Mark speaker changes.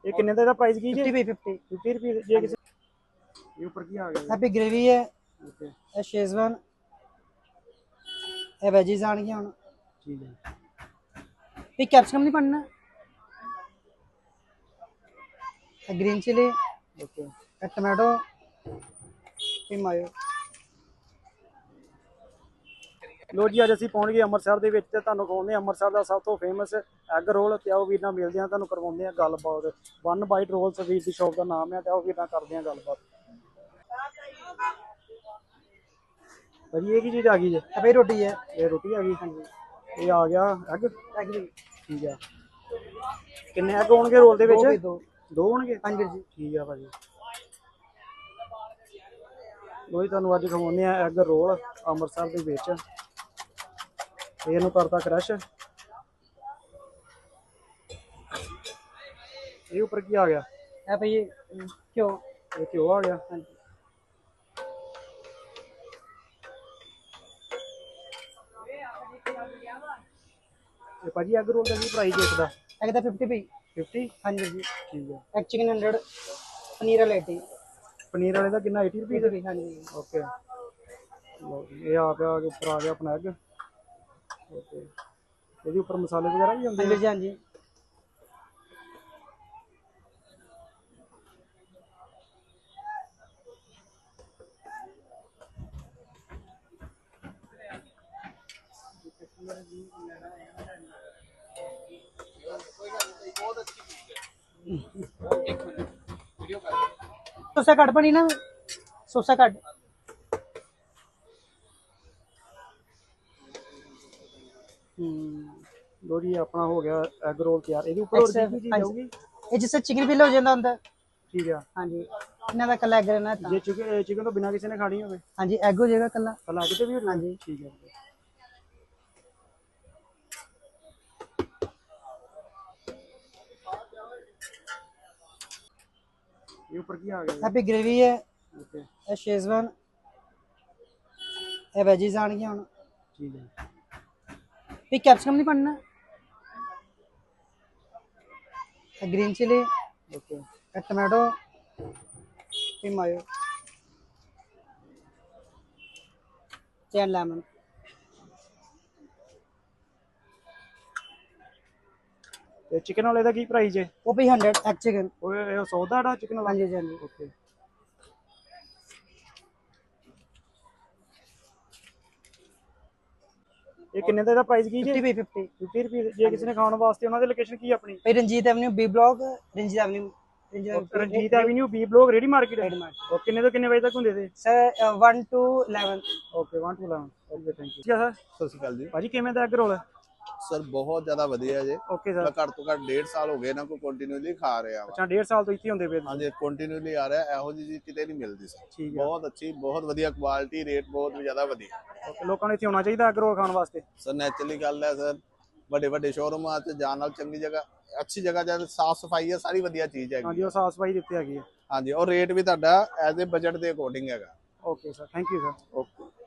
Speaker 1: ये कितने का प्राइस की
Speaker 2: 50 by 50
Speaker 1: 50 रुपये ये किसी ये ऊपर की आ गया
Speaker 2: हैप्पी ग्रेवी है
Speaker 1: ओके
Speaker 2: ये शेजवान ये वेजीज आने हुन
Speaker 1: ठीक है
Speaker 2: ये कैप्सिकम नहीं पड़ना ये ग्रीन चिली
Speaker 1: ओके
Speaker 2: ये टमाटो ये मायो
Speaker 1: ਲੋ ਜੀ ਅੱਜ ਅਸੀਂ ਪਹੁੰਚ ਗਏ ਅੰਮ੍ਰਿਤਸਰ ਦੇ ਵਿੱਚ ਤੇ ਤੁਹਾਨੂੰ ਖਵਾਉਂਦੇ ਹਾਂ ਅੰਮ੍ਰਿਤਸਰ ਦਾ ਸਭ ਤੋਂ ਫੇਮਸ ਐਗ ਰੋਲ ਤੇ ਆਓ ਵੀਰ ਨਾਲ ਮਿਲਦੇ ਹਾਂ ਤੁਹਾਨੂੰ ਕਰਵਾਉਂਦੇ ਹਾਂ ਗੱਲਬਾਤ ਵਨ ਬਾਈਟ ਰੋਲਸ ਵੀਰ ਦੀ ਸ਼ੌਪ ਦਾ ਨਾਮ ਹੈ ਤੇ ਆਓ ਵੀਰ ਨਾਲ ਕਰਦੇ ਹਾਂ ਗੱਲਬਾਤ ਭਾਜੀ ਇਹ ਕੀ ਚੀਜ਼ ਆ ਗਈ ਜੀ
Speaker 2: ये रोटी है
Speaker 1: ਇਹ ਰੋਟੀ ਆ ਗਈ ਇਹ ਆ ਗਿਆ ਐਗ
Speaker 2: एग भी
Speaker 1: ਠੀਕ ਆ ਕਿੰਨੇ ਐਗ ਹੋਣਗੇ ਰੋਲ ਦੇ ਵਿੱਚ
Speaker 2: दो
Speaker 1: ਦੋ ਹੋਣਗੇ
Speaker 2: हाँ जी
Speaker 1: ਠੀਕ ਆ ਭਾਜੀ ਲੋ ਜੀ ਤੁਹਾਨੂੰ ਅੱਜ ਖਵਾਉਂਦੇ ਆ ਐਗ ਰੋਲ ਅੰਮ੍ਰਿਤਸਰ ਦੇ ਵਿੱਚ ਇਹਨੂੰ ਕਰਤਾ ਕ੍ਰਸ਼ ਇਹ ਉੱਪਰ ਕੀ ਆ ਗਿਆ
Speaker 2: है भाई ये क्यों
Speaker 1: ਇਹ ਘਿਓ ਆ ਗਿਆ
Speaker 2: हाँ जी
Speaker 1: ਤੇ ਭਾਜੀ ਐਗ ਰੋਲ ਦਾ ਕੀ ਪ੍ਰਾਈਸ ਹੈ ਇਸਦਾ
Speaker 2: एग दा 50 by
Speaker 1: 50
Speaker 2: हाँ जी
Speaker 1: ਠੀਕ ਹੈ
Speaker 2: एग चिकन 100 पनीर वाला 80
Speaker 1: ਪਨੀਰ ਵਾਲੇ ਦਾ ਕਿੰਨਾ 80 ਰੁਪਏ ਦਾ
Speaker 2: हाँ जी
Speaker 1: ਓਕੇ ਲਓ ਜੀ, ਇਹ ਆ ਗਿਆ ਉੱਪਰ ਆ ਗਿਆ ਆਪਣਾ ਐਗ ਓਕੇ ਇਹਦੇ ਉੱਪਰ ਮਸਾਲੇ ਵਗੈਰਾ ਵੀ ਹੁੰਦੇ
Speaker 2: हाँ जी हाँ जी सोसा कट बनी ना सोसा कट
Speaker 1: ਲੋ ਜੀ ਆਪਣਾ ਹੋ ਗਿਆ ਐਗ ਰੋਲ ਤਿਆਰ ਇਹਦੇ ਉੱਪਰ ਹੋਰ ਕੀ ਚੀਜ਼ ਆਊਗੀ
Speaker 2: ये जिससे चिकन फिल हो जाता अंदर
Speaker 1: ਠੀਕ ਆ
Speaker 2: हाँ जी इन्हों का कला एग रहना है
Speaker 1: ਜੇ ਚਿਕਨ ਤੋਂ ਬਿਨਾ ਕਿਸੇ ਨੇ ਖਾਣੀ ਹੋਵੇ
Speaker 2: हाँ जी एग हो जाएगा कला
Speaker 1: ਕੱਲਾ ਕਿਤੇ ਵੀ
Speaker 2: हाँ जी
Speaker 1: ਠੀਕ ਹੈ ਇਹ ਉੱਪਰ ਕੀ ਆ ਗਿਆ
Speaker 2: हैप्पी ग्रेवी है
Speaker 1: ਓਕੇ
Speaker 2: ये शेजवान ये वेजीज आने हुन
Speaker 1: ਠੀਕ ਹੈ
Speaker 2: ये कैप्सिकम नहीं पड़ना ये ग्रीन चिली
Speaker 1: ਓਕੇ
Speaker 2: ये टमाटो ये मायो एंड लेमन
Speaker 1: ਤੇ ਚਿਕਨ ਵਾਲੇ ਦਾ ਕੀ ਪ੍ਰਾਈਸ ਹੈ
Speaker 2: वो भी 100 एग चिकन
Speaker 1: ਉਹ ਇਹ 100 ਦਾ ਡਾ ਚਿਕਨ
Speaker 2: हाँ
Speaker 1: ਵਾਲਾ
Speaker 2: जी हाँ जी
Speaker 1: ਓਕੇ ਇਹ ਕਿੰਨੇ ਦਾ ਇਹਦਾ ਪ੍ਰਾਈਸ ਕੀ ਜੀ
Speaker 2: 50 by 50
Speaker 1: 50 ਰੁਪਏ ਜੇ ਕਿਸੇ ਨੇ ਖਾਣ ਵਾਸਤੇ ਉਹਨਾਂ ਦੀ ਲੋਕੇਸ਼ਨ ਕੀ ਆਪਣੀ
Speaker 2: भाई Ranjit avenue B block Ranjit avenue
Speaker 1: Ranjit avenue B block ready market
Speaker 2: red mart
Speaker 1: ਉਹ ਕਿੰਨੇ ਤੋਂ ਕਿੰਨੇ ਵਜੇ ਤੱਕ ਹੁੰਦੇ ਤੇ
Speaker 2: sir 1 to 11
Speaker 1: okay 1 to 11 okay thank you sir
Speaker 3: ਸਤਿ ਸ਼੍ਰੀ ਅਕਾਲ ਜੀ
Speaker 1: ਭਾਜੀ ਕਿਵੇਂ ਦਾ ਐਗ ਰੋਲ
Speaker 3: ਸਰ ਬਹੁਤ ਜ਼ਿਆਦਾ ਵਧੀਆ ਜੇ
Speaker 1: ਓਕੇ
Speaker 3: ਮੈਂ
Speaker 1: ਸਰ
Speaker 3: ਘੱਟ ਤੋਂ ਘੱਟ 1.5 ਸਾਲ ਹੋ ਗਏ ਨਾ ਕੋਈ ਕੰਟੀਨਿਊਲੀ ਖਾ ਰਿਹਾ ਵਾ
Speaker 1: ਅੱਛਾ 1.5 ਸਾਲ ਤੋਂ ਇੱਥੇ ਹੁੰਦੇ ਪਏ ਤੁਸੀਂ।
Speaker 3: ਹਾਂਜੀ ਕੰਟੀਨਿਊਲੀ ਆ ਰਿਹਾ ਇਹੋ ਜਿਹੀ ਚੀਜ਼ ਕਿਤੇ ਨਹੀਂ ਮਿਲਦੀ ਸਰ
Speaker 1: ਠੀਕ ਹੈ
Speaker 3: ਬਹੁਤ ਅੱਛੀ ਬਹੁਤ ਵਧੀਆ ਕੁਆਲਿਟੀ ਰੇਟ ਬਹੁਤ ਜ਼ਿਆਦਾ ਵਧੀਆ
Speaker 1: ਓਕੇ ਲੋਕਾਂ ਨੂੰ ਇੱਥੇ ਆਉਣਾ ਚਾਹੀਦਾ ਐਗ ਰੋਲ ਖਾਣ ਵਾਸਤੇ
Speaker 3: ਸਰ ਨੈਚੁਰਲੀ ਗੱਲ ਹੈ ਸਰ ਵੱਡੇ ਵੱਡੇ ਸ਼ੋਰੂਮਾਂ 'ਚ ਜਾਣ ਨਾਲ ਚੰਗੀ ਜਗ੍ਹਾ ਅੱਛੀ ਜਗ੍ਹਾ ਜਦ ਸਾਫ ਸਫਾਈ ਹੈ ਸਾਰੀ ਵਧੀਆ ਚੀਜ਼ ਹੈਗੀ
Speaker 1: ਹਾਂਜੀ ਉਹ ਸਾਫ ਸਫਾਈ ਦਿੱਤੀ ਹੈਗੀ ਹੈ
Speaker 3: ਹਾਂਜੀ ਔਰ ਰੇਟ ਵੀ ਤੁਹਾਡਾ ਐਜ਼ ਏ ਬਜਟ ਦੇ ਅਕੋਰਡਿੰਗ ਹੈਗਾ
Speaker 1: okay sir thank you sir
Speaker 3: okay